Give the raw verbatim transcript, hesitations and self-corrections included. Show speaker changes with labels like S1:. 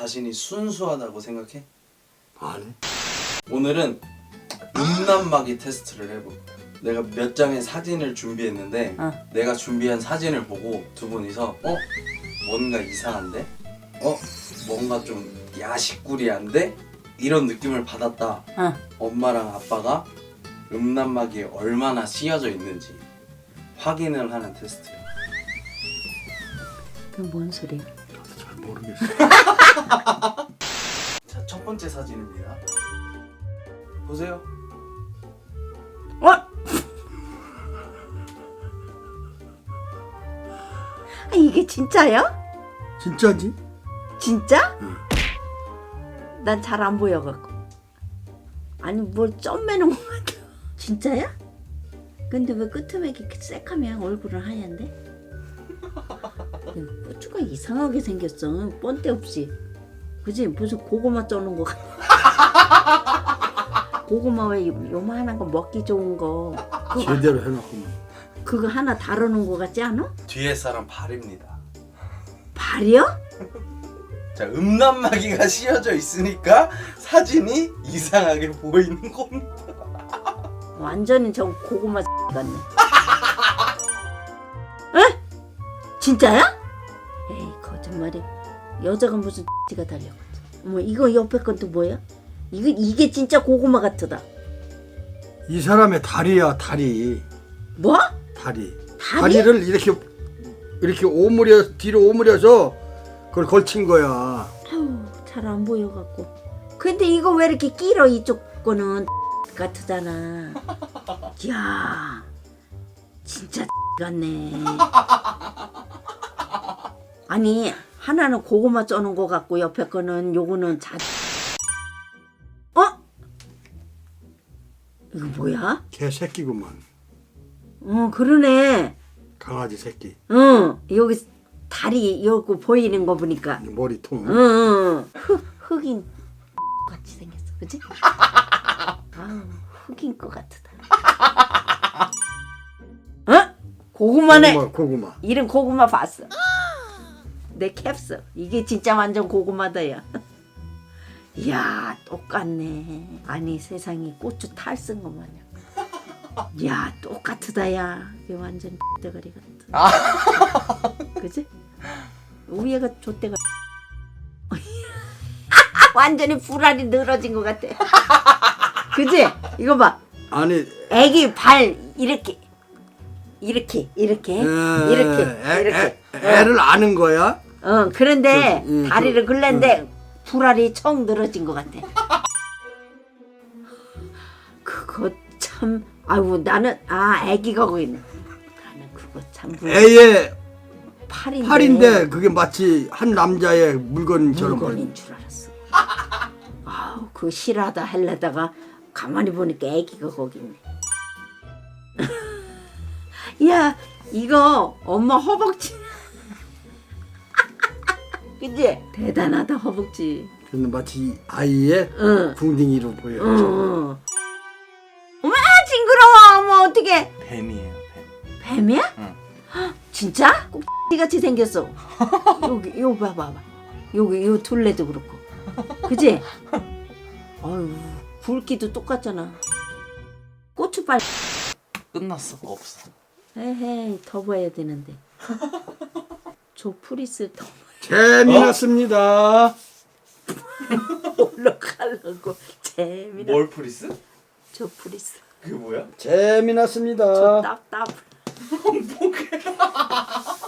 S1: 자신이 순수하다고 생각해?
S2: 아니.
S1: 오늘은 음란마귀 테스트를 해볼 거야. 내가 몇 장의 사진을 준비했는데
S3: 어.
S1: 내가 준비한 사진을 보고 두 분이서 어? 뭔가 이상한데? 어? 뭔가 좀 야식구리한데? 이런 느낌을 받았다.
S3: 어.
S1: 엄마랑 아빠가 음란마귀에 얼마나 씌여져 있는지 확인을 하는 테스트야.
S3: 그건 뭔 소리야?
S2: 나도 잘 모르겠어.
S1: 자, 첫 번째 사진입니다. 보세요.
S3: 어? 아, 이게 진짜야?
S2: 진짜지?
S3: 진짜?
S2: 응.
S3: 난 잘 안 보여갖고. 아니 뭘 점 매는 것 같아. 진짜야? 근데 왜 끄트맥이 이렇게 새카면 얼굴은 하얀데? 고추가 이상하게 생겼어. 뻔데 없이. 그지? 무슨 고구마 쪄는 거 같아. 고구마 왜 요만한 거 먹기 좋은 거 그거,
S2: 제대로 해놓고만.
S3: 그거 하나 다루는 거 같지 않아?
S1: 뒤에 사람 발입니다.
S3: 발이요?
S1: 자, 음란마귀가 씌어져 있으니까 사진이 이상하게 보이는 겁니다.
S3: 완전히 저 고구마 같네. 에? 진짜야? 에이 거짓말이. 여자가 무슨 가 달려갔지. 어머 이거 옆에 건 또 뭐야? 이거 이게 진짜 고구마 같다.
S2: 이 사람의 다리야 다리.
S3: 뭐?
S2: 다리.
S3: 다리?
S2: 다리를 이렇게 이렇게 오므려 뒤로 오므려서 그걸 걸친 거야.
S3: 아유 잘 안 보여갖고. 근데 이거 왜 이렇게 길어? 이쪽 거는 같으잖아. 이야 진짜 같네. 아니 하나는 고구마 쪄는 거 같고 옆에 거는 요거는 자. 어? 이거 뭐야?
S2: 개 새끼구만.
S3: 어 그러네.
S2: 강아지 새끼.
S3: 응 여기 다리 요거 보이는 거 보니까.
S2: 머리통.
S3: 응, 응. 흑 흑인 같이 생겼어, 그지? 아우 흑인 거 같다. 어? 고구마네.
S2: 고구마, 고구마.
S3: 이름 고구마 봤어. 내 캡스. 이게 진짜 완전 고구마다야. 이야 똑같네. 아니 세상에 고추 탈 쓴 거 마냥. 이야 똑같다야. 이게 완전 대가리 같아. 그지? 위에가 좆대가. 완전히 불알이 늘어진 것 같아. 그지? 이거 봐.
S2: 아니
S3: 애기 발 이렇게 이렇게 이렇게
S2: 에,
S3: 이렇게
S2: 애,
S3: 이렇게.
S2: 애, 애를 아는 거야?
S3: 어 그런데
S2: 저, 음,
S3: 다리를
S2: 저,
S3: 굴렸는데 불알이 청 늘어진 것 같아. 그거 참 아이고 나는 아 애기가 거기 있네. 나는 그거 참
S2: 애의
S3: 팔인데
S2: 팔인데 그게 마치 한 남자의 물건처럼
S3: 물건인 줄 알았어. 아우 그 실하다 할래다가 가만히 보니까 애기가 거기 있네. 야 이거 엄마 허벅지. 그치? 대단하다 허벅지.
S2: 근데 마치 아이의
S3: 응.
S2: 궁둥이로 보여.
S3: 응, 응. 어머 징그러워. 어머 어떡해.
S1: 뱀이에요, 뱀.
S3: 뱀이야?
S1: 응.
S3: 헉, 진짜? 꼭지같이 생겼어. 여기 요 봐봐. 여기 요 둘레도 그렇고. 그지? 아유 굵기도 똑같잖아. 고추빨.
S1: 끝났어. 없어.
S3: 에헤이 더 봐야 되는데. 저 프리스 더
S2: 재미났습니다.
S3: 올라가려고 재미나.
S1: 뭘 프리스?
S3: 저 프리스.
S1: 그게 뭐야?
S2: 재미났습니다.
S3: 저 딱딱.
S1: 뭐게?